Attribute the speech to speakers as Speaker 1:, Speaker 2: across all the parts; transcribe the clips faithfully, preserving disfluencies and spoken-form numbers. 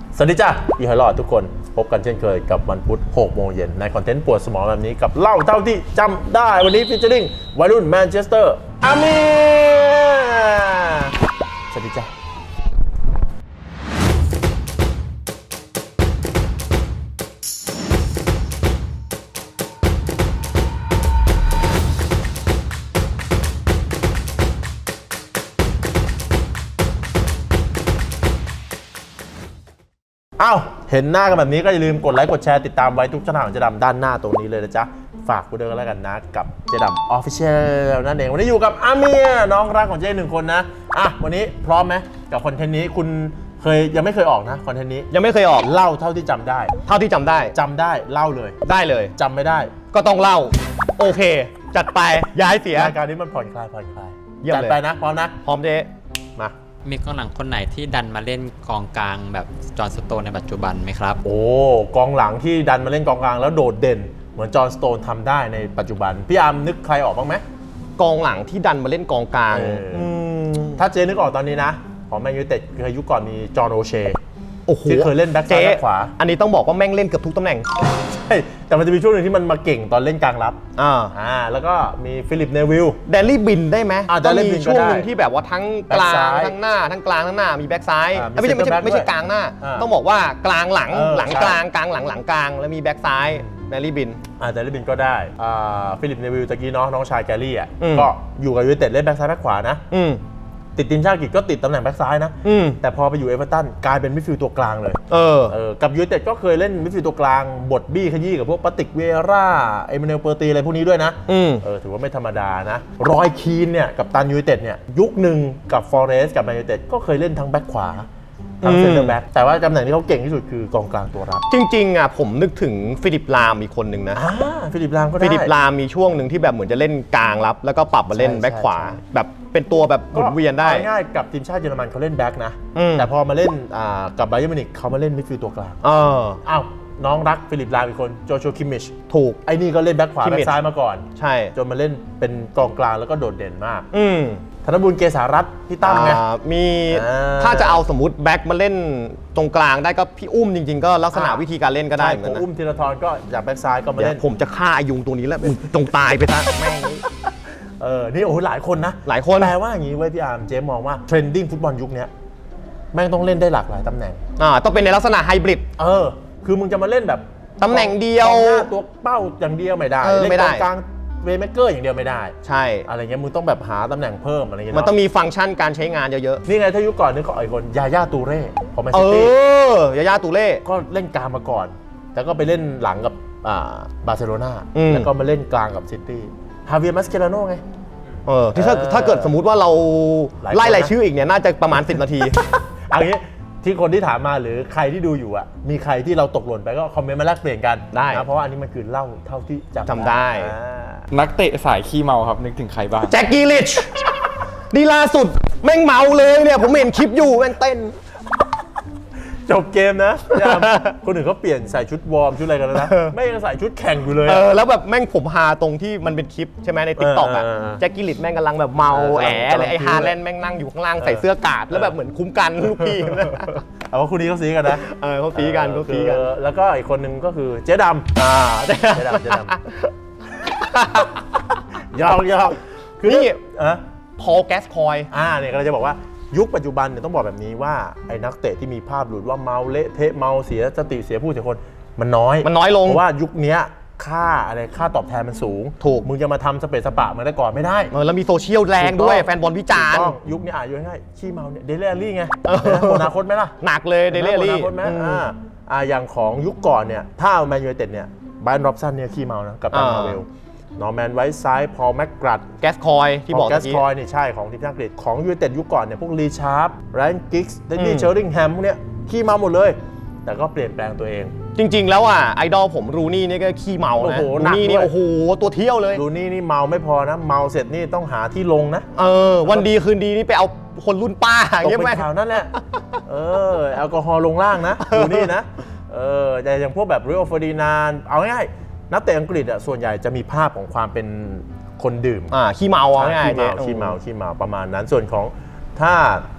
Speaker 1: สวัสดีจ้าอีหอยหลอดทุกคนพบกันเช่นเคยกับวันพุธหกโมงเย็นในคอนเทนต์ปวดสมองแบบนี้กับเล่าเท่าที่จำได้วันนี้ฟีเจอริ่งวัยรุ่นแมนเชสเตอร์อาเมียสวัสดีจ้าอ้าวเห็นหน้ากันแบบนี้ก็อย่าลืมกดไลค์กดแชร์ติดตามไว้ทุกช่องทางของเจดำด้านหน้าตรงนี้เลยนะจ๊ะฝากกูด้วยกันแล้วกันนะกับเจดำออฟฟิเชียลนั่นเองวันนี้อยู่กับอาเมียน้องรักของเจหนึ่งคนนะอ่ะวันนี้พร้อมไหมกับคอนเทนต์นี้คุณเคยยังไม่เคยออกนะคอนเทนต์นี้
Speaker 2: ยังไม่เคยออก
Speaker 1: เล่าเท่าที่จำได้
Speaker 2: เท่าที่จำได้
Speaker 1: จำได้เล่าเลย
Speaker 2: ได้เลย
Speaker 1: จำไม่ได้
Speaker 2: ก็ต้องเล่าโอเคจัดไปย้ายเสีย
Speaker 1: รายการนี้มันผ่อนคลายผ่อนคลาย
Speaker 2: จัด
Speaker 1: ไปนะพร้อมนะ
Speaker 2: พร้อมเจ๊
Speaker 1: มา
Speaker 3: มีกองหลังคนไหนที่ดันมาเล่นกองกลางแบบจอห์นสโตนในปัจจุบันไหมครับ
Speaker 1: โอ้กองหลังที่ดันมาเล่นกองกลางแล้วโดดเด่นเหมือนจอห์นสโตนทำได้ในปัจจุบันพี่อาร์มนึกใครออกบ้างไหม
Speaker 2: กองหลังที่ดันมาเล่นกองกลาง
Speaker 1: ถ้าเจนึกออกตอนนี้นะของแมนยูเต็ดเคยยุคก่อนมีจอห์นโอเช
Speaker 2: โอ้โห
Speaker 1: ที่เคยเล่นแบ็คซ้ายแบ็คขวา
Speaker 2: อันนี้ต้องบอกว่าแม่งเล่นเกือบทุกตำแหน่ง
Speaker 1: ใช่แต่มันจะมีช่วงหนึ่งที่มันมาเก่งตอนเล่นกลางรับ
Speaker 2: อ่า
Speaker 1: อ่าแล้วก็มีฟิลิปเนวิล
Speaker 2: แดนลี่บินได้ไหม
Speaker 1: ก็มี
Speaker 2: ช่วงหนึ่งที่แบบว่าทั้งกลางทั้งหน้าทั้งกลางทั้งหน้ามีแบ็คซ้ายไม่ใช่ไม่ใช่ไม่ใช่กลางหน้าต้องบอกว่ากลางหลังหลังกลางกลางหลังหลังกลางแล้วมีแบ็คซ้ายแดนลี่บิน
Speaker 1: อ่าแดนลี่บินก็ได้อ่าฟิลิปเนวิลตะกี้เนาะน้องชายแกรี่อ่ะก็อยู่กับยูไนเต็ดเล่นแบ็คซ้ายแบ็คขวานะติดทีมชาติอังกฤษก็ติดตำแหน่งแบ็คซ้ายนะแต่พอไปอยู่เอเวอร์ตันกลายเป็นมิดฟิลด์ตัวกลางเลย
Speaker 2: เออ
Speaker 1: เออกับยูไนเต็ดก็เคยเล่นมิดฟิลด์ตัวกลางบทบี้ขยี้กับพวกปาติกเวร่าเอเมเนลเปอร์ตีอะไรพวกนี้ด้วยนะเออถือว่าไม่ธรรมดานะรอยคีนเนี่ยกับตันยูไนเต็ดเนี่ยยุคหนึ่งกับฟอเรสต์กับแมนยูไนเต็ดก็เคยเล่นทั้งแบ็คขวาทั้งเซนเตอร์แบ็คแต่ว่าตำแหน่งที่เขาเก่งที่สุดคือกองกลางตัวรับ
Speaker 2: จริงๆอ่ะผมนึกถึงฟิลิปลามอีกคนหนึ่งนะ
Speaker 1: ฟิลิปลามก็ได้
Speaker 2: ฟิลิปลามมีช่วงหนึ่งที่แบบเหมือนจะเล่นกลางรับแล้วก็ปรับมาเล่นแบ็คขวาแบบเป็นตัวแบบหมุนเวียนได้
Speaker 1: ง่ายๆกับทีมชาติเยอรมันเขาเล่นแบ็คนะแต่พอมาเล่นกับไบเยิร์นมิวนิกเขามาเล่นมิดฟิลด์ตัวกลางอ้าวน้องรักฟิลิปลามอีกคนโจชัวคิมมิช
Speaker 2: ถูก
Speaker 1: ไอ้นี่ก็เล่นแบ็คขวาแบ็คซ้ายมาก่อน
Speaker 2: ใช่
Speaker 1: จนมาเล่นเป็นกองกลางแล้วก็โดดเด่นมากธนบุญเกษารัตน์พี่ตั้มไง
Speaker 2: มีถ้าจะเอาสมมติแบ็คมาเล่นตรงกลางได้ก็พี่อุ้มจริงๆก็ลักษณะวิธีการเล่นก็ได้เหมือนกันนะ
Speaker 1: อุ้มธีรทรก็จากแบ็คซ้ายก็มาเล่น
Speaker 2: ผมจะฆ่าอายุงตัวนี้แล้วมึงจงตายไปซะแม่ง
Speaker 1: เออนี่โอ้โหหลายคนนะ
Speaker 2: หลายคน
Speaker 1: แปลว่าอย่างนี้เว้ยพี่อาร์มเจมมองว่าเทรนดิ้งฟุตบอลยุคนี้แม่งต้องเล่นได้หลากหลายตำแหน่ง
Speaker 2: อ่าต้องเป็นในลักษณะไฮบริด
Speaker 1: เออคือมึงจะมาเล่นแบบ
Speaker 2: ตำแหน่งเดียว
Speaker 1: ตัวเป้าอย่างเดียวไม่ได้เล่นกองกลางเวย์เมเกอร์อย่างเดียวไม่ได้
Speaker 2: ใช่
Speaker 1: อะไรเงี้ยมึงต้องแบบหาตำแหน่งเพิ่มอะไรเงี้ย
Speaker 2: มันต้องมีฟังก์ชันการใช้งานเยอะ
Speaker 1: ๆนี่ไงถ้ายุคก่อนนึกของไอ้คนยาย่าตูเร่ของแมน
Speaker 2: ซิ
Speaker 1: ตี้
Speaker 2: เออยาย่าตูเร่
Speaker 1: ก็เล่นกลางมาก่อนแต่ก็ไปเล่นหลังกับบาร์เซโลนาแล้วก็มาเล่นกลางกับซิตี้ฮาเวียร์มัสเคลาโน่ไง
Speaker 2: เออที่ถ้าถ้าเกิดสมมุติว่าเราไล่รายชื่ออีกเนี่ยน่าจะประมาณสิบนาที
Speaker 1: เอางี้ที่คนที่ถามมาหรือใครที่ดูอยู่อ่ะมีใครที่เราตกหล่นไปก็คอมเมนต์มาแลกเปลี่ยนกัน
Speaker 2: ได้
Speaker 1: นะเพราะว่าอันนี้มันคือเล่าเท่าที่
Speaker 2: จำได้
Speaker 4: นักเตะสายขี้เมาครับนึกถึงใครบ้าง
Speaker 2: แจ็คกี้ลิชดีล่าสุดแม่งเมาเลยเนี่ยผมเห็นคลิปอยู่แม่งเต้น
Speaker 1: จบเกมนะคนอื่นเขาเปลี่ยนใส่ชุดวอร์มชุดอะไรกันแล้วนะไม่ยังใส่ชุดแข่งอยู่เลย
Speaker 2: เออแล้วแบบแม่งผมฮาตรงที่มันเป็นคลิปใช่ไหมในติ๊กต็อกอ่ะแจ็คกี้ลิชแม่งกำลังแบบเมาแอะเลยไอ้ฮาแลนด์แม่งนั่งอยู่ข้างล่างใส่เสื้อกาดแล้วแบบเหมือนคุ้มกันลูกพี่
Speaker 1: เอาว่าคู่นี้เขาซีกันนะ
Speaker 2: เออเขาซีกันเขาซีกัน
Speaker 1: แล้วก็อีกคนนึงก็คือเจ๊ดำอ่าเจ๊ดำเจ๊ดำยอกยอก
Speaker 2: คือนี่พอลแกสคอย
Speaker 1: อ่าเนี่ยก็จะบอกว่ายุคปัจจุบันเนี่ยต้องบอกแบบนี้ว่าไอ้นักเตะที่มีภาพหลุดว่าเมาเละเทะเมาเสียสติเสียผู้เสียคนมันน้อย
Speaker 2: มันน้อยลง
Speaker 1: เพราะว่ายุคนี้ค่าอะไรค่าตอบแทนมันสูง
Speaker 2: ถูก
Speaker 1: มึงจะมาทำสเปซสปะเหมือนแต่ก่อนไม่ได้
Speaker 2: เออแล้วมีโซเชียลแรงด้วยแฟนบอลวิจารณ์
Speaker 1: ยุคนี้อ่ะง่ายๆขี้เมาเนี่ยเดลี่อารี่ไงอนาคตไหมล่ะ
Speaker 2: หนักเลยเดลี่อารี่
Speaker 1: อนาคตไหมอ่าอ่าอย่างของยุคก่อนเนี่ยถ้าแมนยูไนเต็ดเนี่ยไบรอัน ร็อบสันเนี่ยขี้เมานะกับตันมาเวลนอร์แมนไวท์ไซด์พอลแม็กกรัด
Speaker 2: แกสคอยที่บอก
Speaker 1: แกสคอยนี่ใช่ของทีมชาติอังกฤษของยูไนเต็ดยุคก่อนเนี่ยพวกลีชาร์ปไรอันกิกส์เดนนี่เชอริงแฮมพวกเนี้ยขี้เมาหมดเลยแต่ก็เปลี่ยนแปลงตัวเอง
Speaker 2: จริงๆแล้วอ่ะไอดอลผมรูนี่นี่ก็ขี้เมานะรูนี่นี่โอ้โหตัวเที่ยวเลย
Speaker 1: รูนี่นี่เมาไม่พอนะเมาเสร็จนี่ต้องหาที่ลงนะ
Speaker 2: เออวันดีคืนดีนี่ไปเอาคนรุ่นป้า
Speaker 1: ตกเป็นข่าวนั่นแหละเออแอลกอฮอล์ลงล่างนะรูนี่นะเออแต่อย่างพวกแบบริโอ เฟอร์ดินานด์เอาง่ายนักเตะอังกฤษอ่ะส่วนใหญ่จะมีภาพของความเป็นคนดื่ม
Speaker 2: อ่าขี้เมาอ่ะง่าย
Speaker 1: ขี้เมาขี้เมาขี้เมาประมาณนั้นส่วนของถ้า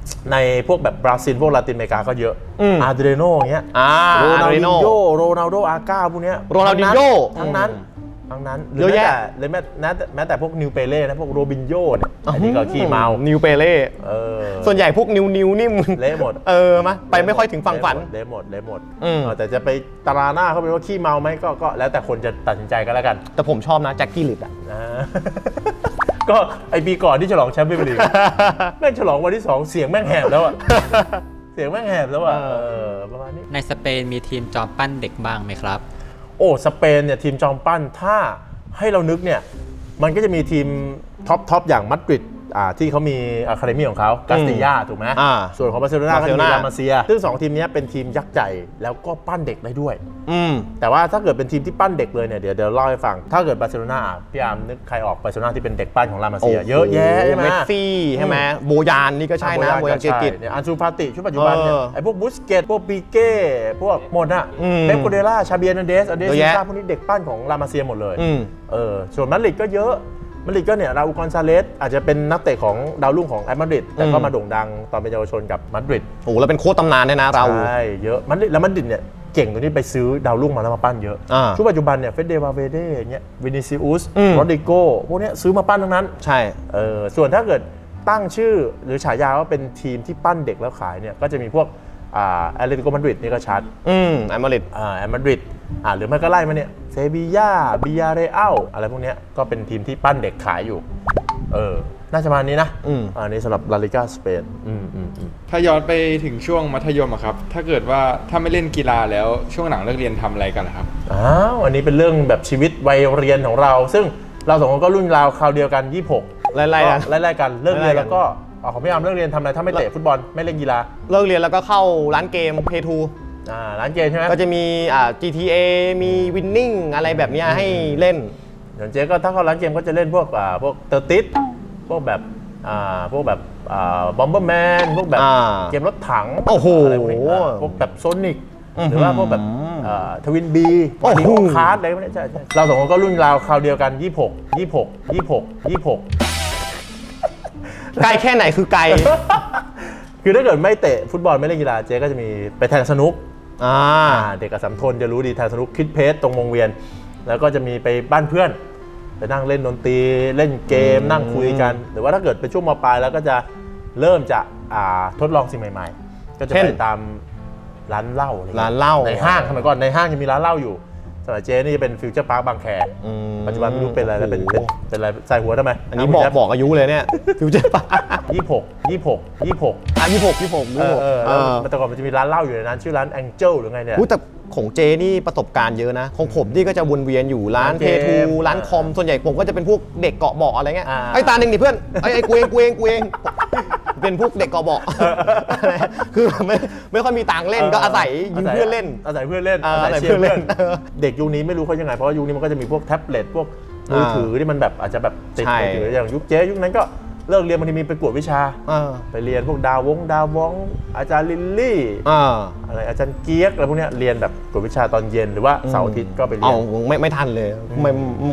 Speaker 1: ในพวกแบบบราซิลพวกลาตินอเมริกาก็เยอะ
Speaker 2: อืม
Speaker 1: อาร์เดโนอย่างเงี้ย
Speaker 2: อ่า
Speaker 1: โรนัล
Speaker 2: อาร์
Speaker 1: ดิ
Speaker 2: ดิ
Speaker 1: น
Speaker 2: โน
Speaker 1: โยโรนัลโดอาก้าพวกเนี้ย
Speaker 2: โรนัลดินโญ่
Speaker 1: ทั้งนั้น
Speaker 2: อืม
Speaker 1: ทั้งนั้นห
Speaker 2: เยอะแยะ
Speaker 1: หรือแม้แต่แม้แต่แม้แต่พวกนิวเปเล่นะพวกโรบินโญ่เนี่ยอันนี้ก็ขี้เมา
Speaker 2: นิวเปเล่
Speaker 1: เออ
Speaker 2: ส่วนใหญ่พวกนิวนิวนี่มึง
Speaker 1: เละหมด
Speaker 2: เออมาไปไม่ค่อยถึงฝั่งฝัน
Speaker 1: เละหมดเละหมด
Speaker 2: อืม
Speaker 1: เออแต่จะไปตราหน้าเขาเป็นว่าขี้เมาไหมก็ก็แล้วแต่คนจะตัดสินใจก็แล้วกัน
Speaker 2: แต่ผมชอบนะแจ็คกี้ลิดอ่ะ
Speaker 1: นะ ก็ไอปีก่อนที่ฉลองแชมป์พรีเมียร์ลีก แม่งฉลองวันที่สองเสียงแม่งแหบแล้วอะเสียงแม่งแหบแล้วอะ
Speaker 2: เออ
Speaker 1: เออประมาณนี้
Speaker 3: ในสเปนมีทีมจอมปั้นเด็กบ้างไหมครับ
Speaker 1: โอ้สเปนเนี่ยทีมจอมปั้นถ้าให้เรานึกเนี่ยมันก็จะมีทีมท็อปท็อปอย่างมาดริดอ่าที่เขามีอะคาเดมี่ของเขากาสติยาถูกไหม
Speaker 2: อ่า
Speaker 1: ส่วนของบาร์เซโลนาก็จะมี
Speaker 2: บาร์เซโลนา
Speaker 1: ลามาเซีย ซึ่งสองทีมนี้เป็นทีมยักษ์ใหญ่แล้วก็ปั้นเด็กได้ด้วย
Speaker 2: อืม
Speaker 1: แต่ว่าถ้าเกิดเป็นทีมที่ปั้นเด็กเลยเนี่ยเดี๋ยวเดี๋ยวเล่าให้ฟัง ถ้าเกิดบาร์เซโลนาพี่อาร์มนึกใครออกบาร์เซโลนาที่เป็นเด็กปั้นของลามาเซียเยอะแยะใช่ไหม
Speaker 2: เมสซี่ใช่ไหมโบยานนี่ก็ใช่นะโบยานเกกิต
Speaker 1: เนี่ยอันซูฟาติชุดปัจจุบันเนี่ย
Speaker 2: เออ
Speaker 1: ไอ้พวกบุสเกตพวกปีเก้พวกหมดอะ
Speaker 2: อืม
Speaker 1: เป๊ปโกเดล่าชาเบียนเดสอเดส
Speaker 2: เยอะ
Speaker 1: ซิ
Speaker 2: แยะ
Speaker 1: ซ่าพวกนี้เด็กปั้นของลามาเซียหมดเลย
Speaker 2: อืม
Speaker 1: เออส่วนมาดริดก็เยอะมาดริดก็เนี่ยราอูกอนซาเลสอาจจะเป็นนักเตะของดาวรุ่งของแอตมาดริดแต่ก็
Speaker 2: อืม
Speaker 1: มาโด่งดังตอนเป็นเยาวชนกับมาดริด
Speaker 2: โอ้โหแล้วเป็นโค้ชตำนานด้วยนะเรา
Speaker 1: ใช่เยอะมาดริดแล้วมาดริดเนี่ยเก่งตรงที่ไปซื้อดาวรุ่งมาแล้วมาปั้นเยอะ
Speaker 2: อ่า
Speaker 1: ชุดปัจจุบันเนี่ยเฟเดวาเวเดอย่างเงี้ยวินิซิอุส
Speaker 2: อืม
Speaker 1: โรดริโกพวกเนี้ยซื้อมาปั้นทั้งนั้น
Speaker 2: ใช่
Speaker 1: เออส่วนถ้าเกิดตั้งชื่อหรือฉายาว่าเป็นทีมที่ปั้นเด็กแล้วขายเนี่ยก็จะมีพวกอ่าแอตเลติโกมาดริดนี่ก็ชัด
Speaker 2: อืมไอมาริด
Speaker 1: อ่าแอตมาดริดอ่าหรือไม่ก็ไล่มาเนี่ยเซบีย่าบิยาเรอัลอะไรพวกเนี้ยก็เป็นทีมที่ปั้นเด็กขายอยู่เออน่าจะประมาณนี้นะ
Speaker 2: อืม
Speaker 1: อันนี้สำหรับลาลิกาสเปนอืมอืมอืม
Speaker 4: ถ้าย้อนไปถึงช่วงมัธยมอะครับ ถ้าเกิดว่าถ้าไม่เล่นกีฬาแล้วช่วงหลังเลิกเรียนทำอะไรกันล่ะครับ
Speaker 1: อ้าวอันนี้เป็นเรื่องแบบชีวิตวัยเรียนของเรา ซึ่งเราสองคนก็รุ่นราวคราวเดียวกันยี่สิบหก
Speaker 2: ไล่ๆกัน
Speaker 1: ไล่ๆกันเลิกเรียน
Speaker 2: ไล่ๆกัน
Speaker 1: แล้วก็อ๋อของพี่อาร์มเลิกเรียนทำอะไรถ้าไม่เตะฟุตบอลไม่เล่นกีฬา
Speaker 2: เลิกเรียนแล้วก็เข้าร้านเกม เพย์ทู
Speaker 1: อ่าร้านเกมใช่ไหม
Speaker 2: ก็จะมีอ่า จี ที เอ มีวินนิ่งอะไรแบบเนี้ยให้เล่น
Speaker 1: อย่างเจ๊ก็ถ้าเข้าร้านเกมก็จะเล่นพวกอ่าพวกเตอร์ติสพวกแบบอ่าพวกแบบอ่าบอมเบอร์แมนพวกแบบ
Speaker 2: อ่า
Speaker 1: เกมรถถัง
Speaker 2: โอ้โห
Speaker 1: อะไรพวกนี้อ่าพวกแบบโซนิก
Speaker 2: อื้อหือ
Speaker 1: หรือว่าพวกแบบทวินบี
Speaker 2: โอ้โห
Speaker 1: ดีโอคาร์ดอะไรพวกนี้ใช่ใช่เราสองคนก็รุ่นราวคราวเดียวกันยี่สิบหก ยี่สิบหก ยี่สิบหก ยี่สิบหก
Speaker 2: ไกลแค่ไหนคือไกล
Speaker 1: คือถ้าเกิดไม่เตะฟุตบอลไม่เล่นกีฬาเจ๊ก็จะมีไปแทงสนุก
Speaker 2: อ่า
Speaker 1: อ่าเด็กกับสัมทนจะรู้ดีแทงสนุกคิดเพจตรงวงเวียน แล้วก็จะมีไปบ้านเพื่อนไปนั่งเล่นดนตรีเล่นเกมนั่งคุยกัน หรือว่าถ้าเกิดเป็นช่วงมปลายแล้วก็จะเริ่มจะอ่าทดลองสิ่งใหม่ๆ ก็จะ
Speaker 2: เช่น
Speaker 1: ไปตามร้านเหล้าอะไรงี้ย
Speaker 2: ร้านเหล้า
Speaker 1: ในห้างสมัยก่อนในห้างยังมีร้านเหล้าอยู่สมัยเจ๊นี่เป็นฟิวเจอร์พาร์คบางแค
Speaker 2: อืม
Speaker 1: ปัจจุบันไม่รู้เป็นอะไรแล้วเป็น
Speaker 2: โอ้
Speaker 1: เป็น
Speaker 2: โห
Speaker 1: เป็นอะไรใส่หัวทำไม
Speaker 2: อันนี้บอกบอกอายุเลยเนี่ยฟิวเจอร์ปะ
Speaker 1: ยี่สิบหก ยี่สิบหก ยี่สิบหก
Speaker 2: อ่ะยี่สิบหกยี่สิบหก
Speaker 1: เอ
Speaker 2: ยี่สิบ
Speaker 1: อ
Speaker 2: หก
Speaker 1: เออ
Speaker 2: เอ
Speaker 1: แล้ว
Speaker 2: อ
Speaker 1: แต่ก่อนมันจะมีร้านเหล้าอยู่ในนั้นชื่อร้าน Angel หรือไงเนี่ย
Speaker 2: อุ๊ยแต่ของเจนี่ประสบการณ์เยอะนะ ของผมนี่ก็จะวนเวียนอยู่ร้าน
Speaker 1: ร้าน
Speaker 2: เพ
Speaker 1: เกม
Speaker 2: ทูร้านคอม ส่วนใหญ่ผมก็จะเป็นพวกเด็กเกาะเบาะอะไรเงี้ย
Speaker 1: อ่า
Speaker 2: ไอ้ตาหนึ่งดิเพื่อนไอ้ไอ้กูเองกูเองกูเองเป็นพวกเด็กเกาะเบาะคือไม่ไม่ค่อยมีตังค์เล่นก็อาศัยยืมเพื่อนเล่น
Speaker 1: อาศัยเพื่อนเล่น
Speaker 2: เอออาศัย
Speaker 1: ชียร์
Speaker 2: เพื่อนเล่น
Speaker 1: เด็กยุคนี้ไม่รู้เขายังไงเพราะว่ายุคนี้มันก็จะมีพวกแท็บเล็ตพวกมือถือที่มันแบบอาจจะแบบติด
Speaker 2: ใช่
Speaker 1: มือถืออย่างยุคเจ๊ยุคนั้นก็เลิกเรียนบางทีมีไปกวดวิชา
Speaker 2: เออ
Speaker 1: ไปเรียนพวกดาววงดาววองอาจารย์ลิลลี่
Speaker 2: อ่า
Speaker 1: อะไรอาจารย์เกียกอะไรพวกเนี้ยเรียนแบบกวดวิชาตอนเย็นหรือว่าเสาร์อาทิตย์ก็ไปเรี
Speaker 2: เอา
Speaker 1: ยน
Speaker 2: ไม่ไม่ทันเลยไม่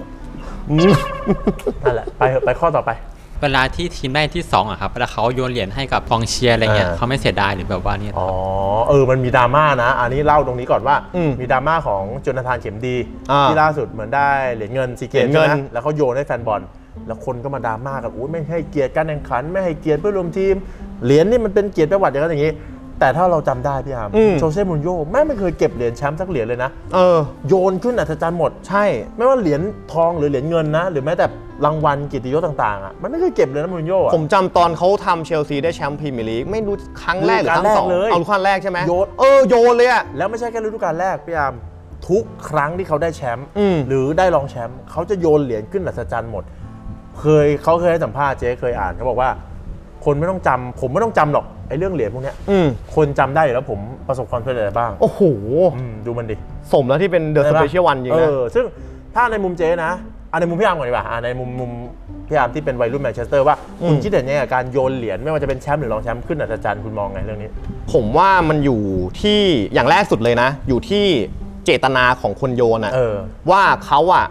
Speaker 1: นั่นแหละไปเถอะไปข้อต่อไป
Speaker 3: เวลาที่ทีมได้ที่สองอะครับเวลาเขาโยนเหรียญให้กับกองเชียร์อะไรเงี้ย
Speaker 1: อ่า
Speaker 3: เขาไม่เสียดายหรือแบบว่าเนี่ย
Speaker 1: อ๋อเออมันมีดราม่านะ อันนี้เล่าตรงนี้ก่อนว่า
Speaker 2: อืม
Speaker 1: มีดราม่าของโจนาธานเข็มดี
Speaker 2: อ่า
Speaker 1: ที่ล่าสุดเหมือนได้เหรียญเงินซีเก
Speaker 2: เหรี
Speaker 1: ม
Speaker 2: ยญเงิน
Speaker 1: ใช่ไหมแล้วเขาโยนให้แฟนบอลแล้วคนก็มาดราม่ากันอุ้ยไม่ให้เกียรติการแข่งขันไม่ให้เกียรติเพื่อนร่วมทีมเหรียญนี่มันเป็นเกียรติประวัติอย่างนั้นอย่างนี้ แต่ถ้าเราจำได้พี่อาร์ม
Speaker 2: อืม
Speaker 1: โจเซ่มูรินโญ่แม่งไม่เคยเก็บเหรียญแชมป์สักเหรียญเลยนะ
Speaker 2: เออ
Speaker 1: โยนขึ้นอัศจรรย์หมด
Speaker 2: ใช่
Speaker 1: ไม่ว่าเหรียญทองหรือเหรียญเงินนะ หรือแม้แต่รางวัลเกียรติยศต่างๆอ่ะมันไม่เคยเก็บเลยนะมูรินโญ่อะ
Speaker 2: ผมจำตอนเขาทำเชลซีได้แชมป์พรีเมียร์ลีกไม่รู้ครั้งแรกหรือครั้งสอง
Speaker 1: ฤดูกาลแรกเลย
Speaker 2: เอาฤดูกาลแรกใช่ไหม
Speaker 1: โยน
Speaker 2: เออโยนเลยอะ
Speaker 1: แล้วไม่ใช่แค่ฤดูกาลแรกพี่อาร์มทุกครั้งที่เขาได้แชมป์
Speaker 2: อืม
Speaker 1: หรือได้รองแชมป์เขาจะโยนเหรียญขึ้นอัศจรรย์หมด เคยเขาเคยให้สัมภาษณ์เจ๊เคยอ่านเขาบอกว่า คนไม่ต้องจำผมไม่ต้องจำหรอกไอ้เรื่องเหรียญพวกเนี้ย
Speaker 2: อืม
Speaker 1: คนจำได้อยู่แล้วผมประสบความสำเร็จอะไรบ้าง
Speaker 2: โอ้โห
Speaker 1: อืมดูมันดิ
Speaker 2: สมแล้วที่เป็นเดอะสเปเชียลวันจริง
Speaker 1: เอ
Speaker 2: นะ
Speaker 1: อซึ่งถ้าในมุมเจ๊นะอ่ะในมุมพี่อาร์มก่อนดีกว่าอ่ะในมุมมุมพี่อาร์มที่เป็นวัยรุ่นแมนเชสเตอร์ว่าคุณคิดเห็นยังไงกับการโยนเหรียญไม่ว่าจะเป็นแชมป์หรือรองแชมป์ขึ้นอัศจรรย์คุณมองไงเรื่องนี้
Speaker 2: ผมว่ามันอยู่ที่อย่างแรกสุดเลยนะ อยู่ที่เจตนาของคนโยนอะ
Speaker 1: เออ
Speaker 2: ว่าเขาอะ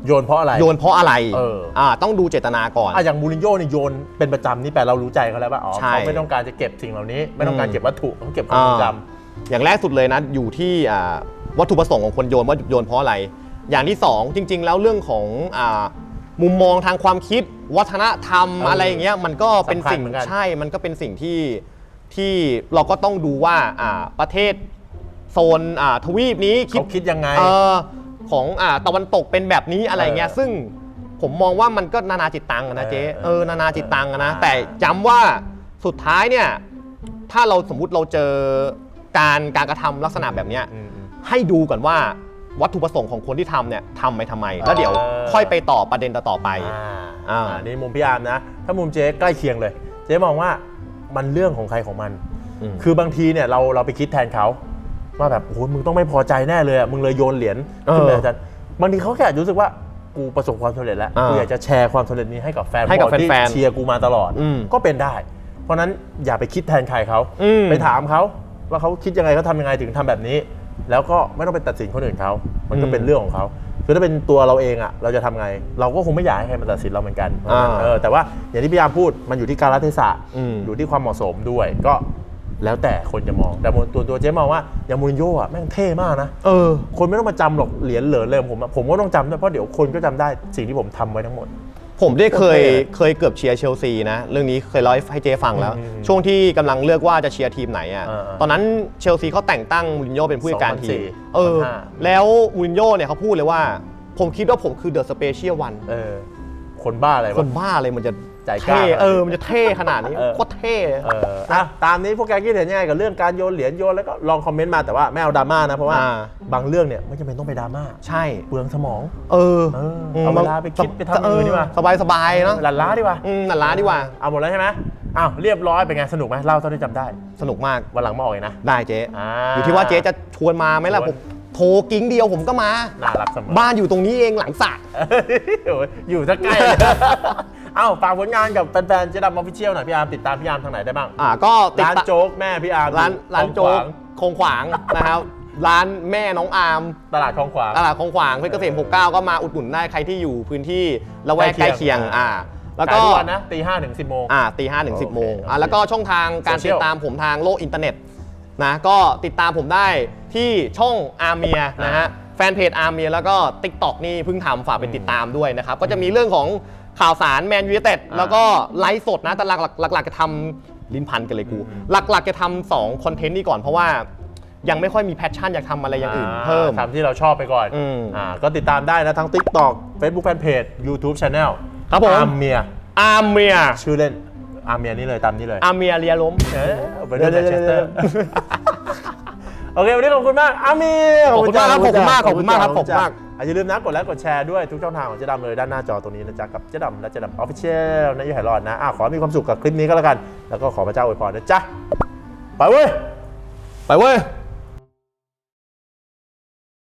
Speaker 1: โยนเพราะอะไร
Speaker 2: โยนเพราะอะไร
Speaker 1: เออ
Speaker 2: อ่าต้องดูเจตนาก่อน
Speaker 1: อ่ะอย่างมูรินโญ่นี่โยนเป็นประจำนี่แปลเรารู้ใจเขาแล้วว่าอ๋อ
Speaker 2: ใช่
Speaker 1: เขาไม่ต้องการจะเก็บสิ่งเหล่านี้ ไม่ต้องการ
Speaker 2: อืม
Speaker 1: เก็บวัตถุเขาเก็บความทรงจ
Speaker 2: อย่างแรกสุดเลยนะอยู่ที่อ่าวัตถุประสงค์ของคนโยนว่าโยนเพราะอะไร อย่างที่สองจริง ๆ แล้วเรื่องของอ่ามุมมองทางความคิดวัฒนธรรม
Speaker 1: เอออ
Speaker 2: อะไรอย่างเงี้ยมันก็เป็นสิ่ง
Speaker 1: สำคัญเหมือนกัน
Speaker 2: ใช่มันก็เป็นสิ่งที่ที่เราก็ต้องดูว่าอ่าประเทศโซนอ่าทวีปนี้
Speaker 1: ำเขาคิดยังไง
Speaker 2: เออของอ่าตะวันตกเป็นแบบนี้อะไรเงี้ย
Speaker 1: เออ
Speaker 2: ซึ่งผมมองว่ามันก็นานาจิตตังอะนะเจ๊
Speaker 1: เออ
Speaker 2: เออนานาจิตตังอะนะ
Speaker 1: อ่า
Speaker 2: แต่ย้ำว่าสุดท้ายเนี่ยถ้าเราสมมุติเราเจอการการกระทำลักษณะแบบเนี้ย
Speaker 1: อืมอืม
Speaker 2: ให้ดูก่อนว่าวัตถุประสงค์ของคนที่ทำเนี่ยทำไปทำไม แล้วเดี๋ยว
Speaker 1: เออ
Speaker 2: ค่อยไปต่อประเด็นต่อๆไป
Speaker 1: อ่า
Speaker 2: อ่า
Speaker 1: อ่านี่มุมพี่อาร์มนะ ถ้ามุมเจ๊ใกล้เคียงเลย เจ๊มองว่ามันเรื่องของใครของมัน
Speaker 2: อืม
Speaker 1: คือบางทีเนี่ยเราเราไปคิดแทนเขาว่าแบบโอ้โหมึงต้องไม่พอใจแน่เลยอะมึงเลยโยนเหรียญขึ้นไปอาจารย์บางทีเขาแค่อาจจะรู้สึกว่ากูประสบความสำเร็จแล้ว
Speaker 2: อ่า
Speaker 1: กูอยากจะแชร์ความสำเร็จนี้ให้กับแฟน
Speaker 2: ให้กับ
Speaker 1: บอลที่
Speaker 2: แฟนๆ
Speaker 1: เชียร์กูมาตลอด
Speaker 2: อืม
Speaker 1: ก็เป็นได้ เพราะฉะนั้นอย่าไปคิดแทนใครเขา
Speaker 2: อืม
Speaker 1: ไปถามเขาว่าเขาคิดยังไงเขาทำยังไงถึงทำแบบนี้ แล้วก็ไม่ต้องไปตัดสินคนอื่นเขามันก็เป็นเรื่องของเขาคือถ้าเป็นตัวเราเองอะเราจะทำไง เราก็คงไม่อยากให้ใครมาตัดสินเราเหมือนกันเพราะฉะนั้น
Speaker 2: อ่า
Speaker 1: เออแต่ว่าอย่างที่พี่อาร์มพูดมันอยู่ที่กาลเทศะ
Speaker 2: อืม
Speaker 1: อยู่ที่ความเหมาะสมด้วยก็แล้วแต่คนจะมองแต่ตัวตัวเจ๊มองว่าอย่างมูรินโญ่อะแม่งเท่มากนะ
Speaker 2: เออ
Speaker 1: คนไม่ต้องมาจำหรอกเหรียญเหลินเลยผมอะผมก็ต้องจำด้วยเพราะเดี๋ยวคนก็จำได้สิ่งที่ผมทำไว้ทั้งหมด
Speaker 2: ผมได้เคย
Speaker 1: โอเค
Speaker 2: เคยเกือบเชียร์เชลซีนะเรื่องนี้เคยเล่าให้เจฟังแล้ว
Speaker 1: อืม
Speaker 2: ช่วงที่กำลังเลือกว่าจะเชียร์ทีมไหนอ่ะ
Speaker 1: เออเออ
Speaker 2: ตอนนั้นเชลซีเขาแต่งตั้งมูรินโญ่เป็นผู้จัดการทีม
Speaker 1: สองพันสี่
Speaker 2: เออ
Speaker 1: สองพันห้า
Speaker 2: แล้วมูรินโญ่เนี่ยเขาพูดเลยว่า ผมคิดว่าผมคือเดอะสเปเชียลวัน
Speaker 1: เออคนบ้าอะไร
Speaker 2: ค
Speaker 1: วะ
Speaker 2: นบ้าอะไรมันจะ
Speaker 1: ใจกล้า
Speaker 2: เท่เออมันจะเท่ขนาดนี้
Speaker 1: เออ
Speaker 2: โคตรเท่
Speaker 1: เอออ่ะตามนี้พวกแกคิดเห็นยังไงกับเรื่องการโยนเหรียญโยนแล้วก็ลองคอมเมนต์มาแต่ว่าไม่เอาดราม่านะเพราะว่า
Speaker 2: อ่า
Speaker 1: บางเรื่องเนี่ยไม่จำเป็นต้องไปดราม่า
Speaker 2: ใช่
Speaker 1: เปลืองสมอง
Speaker 2: เออ
Speaker 1: เออเอาเวลาไปคิดไปทำอย่างอื่นดีกว่า
Speaker 2: สบายสบายๆเนาะ
Speaker 1: หลั่นล้าดีกว่า
Speaker 2: อืมหลั่นล้าดีกว่า
Speaker 1: เอาหมดแล้วใช่ไหมอ้าวเรียบร้อยเป็นไงสนุกไหมเล่าเท่าที่จำได้
Speaker 2: สนุกมาก
Speaker 1: วันหลังมาออกอีกนะ
Speaker 2: ได้เจ๊
Speaker 1: อ่า
Speaker 2: อยู่ที่ว่าเจ๊จะชวนมาไหมล่ะ
Speaker 1: ชวน
Speaker 2: ผมโทรกิ้งเดียวผมก็มา
Speaker 1: น่ารักเสมอ
Speaker 2: บ้านอยู่ตรงนี้เองหลังสระ
Speaker 1: โอ้ยอยู่สักใกล้เลย เอ้าฝากผลงานกับแฟนๆเจ๊ดำออฟฟิเชียลหน่อยพี่อาร์มติดตามพี่อาร์มทางไหนได้บ้าง
Speaker 2: อ่าก็ติด
Speaker 1: ร้าน
Speaker 2: ตาม
Speaker 1: โจ๊กแม่พี่อาร์ม
Speaker 2: ร้านร้านโจ๊ก
Speaker 1: คลองขวาง
Speaker 2: คงขวางนะครับ ร้านแม่น้องอาร์ม
Speaker 1: ตลาดคลองขวาง
Speaker 2: ตลาดคงขวางเพชรเกษมหกสิบเก้าก็มาอุดหนุนได้ใครที่อยู่พื้นที่ละแวก
Speaker 1: ใก
Speaker 2: ใก
Speaker 1: ล้
Speaker 2: ล้
Speaker 1: เคี
Speaker 2: เคี
Speaker 1: ย
Speaker 2: ย
Speaker 1: ง
Speaker 2: งอ่าแล้วก็
Speaker 1: ขายทุกวันนะตีห้าถึงสิบโมง
Speaker 2: อ่าตีห้าถึงสิบโมง
Speaker 1: โอเค
Speaker 2: อ่าแล้วก็ช่องทางการ
Speaker 1: โซเชี
Speaker 2: ติ
Speaker 1: ยล
Speaker 2: ดตามผมทางโลกอินเทอร์เน็ตนะก็ติดตามผมได้ที่ช่องอาร์เมียนะฮะแฟนเพจอาร์เมียแล้วก็ TikTok นี่เพิ่งทำฝากไปติดตามด้วยนะครับ ก็จะมีเรื่องของข่าวสารแมนยูไนเต็ดแล้วก็ไลฟ์สดนะแต่หลักหลักหลักๆจะทำลิ้นพันกันเลยกู หลักๆจะทำสองคอนเทนต์นี้ก่อนเพราะว่ายังไม่ค่อยมีแพชชั่นอยากทำอะไรอย่างอื่นเพิ่ม
Speaker 1: ทำที่เราชอบไปก่อน
Speaker 2: อืม
Speaker 1: อ่าก็ติดตามได้นะทั้ง TikTok Facebook Fanpage YouTube Channel
Speaker 2: ครับผม
Speaker 1: อาร์เมีย
Speaker 2: อาร์เมีย
Speaker 1: ชื่อเล่นอาร์เมียนี่เลยตามนี้เลย
Speaker 2: อาร์เมียเรียล้ม
Speaker 1: เออเอาไปด้วยแมนเชสเตอร์ โอเค วันนี้ขอบคุณมากอาร์เมีย
Speaker 2: ขอบคุณมากครับขอบคุณมากขอบคุณมากครับ
Speaker 1: ขอบคุณ
Speaker 2: ขอบคุณมาก
Speaker 1: อ่ะอย่าลืมนะกดไลค์กดแชร์ด้วยทุกช่องทางของเจ๊ดำเลยด้านหน้าจอตรงนี้นะจ๊ะกับเจ๊ดำและเจ๊ดำออฟฟิเชียลนะยี่ห้อรอดนะอ่ะขอให้มีความสุขกับคลิปนี้ก็แล้วกัน แล้วก็ขอพระเจ้าอวยพรนะจ๊ะไปเว้ย
Speaker 2: ไปเว้ย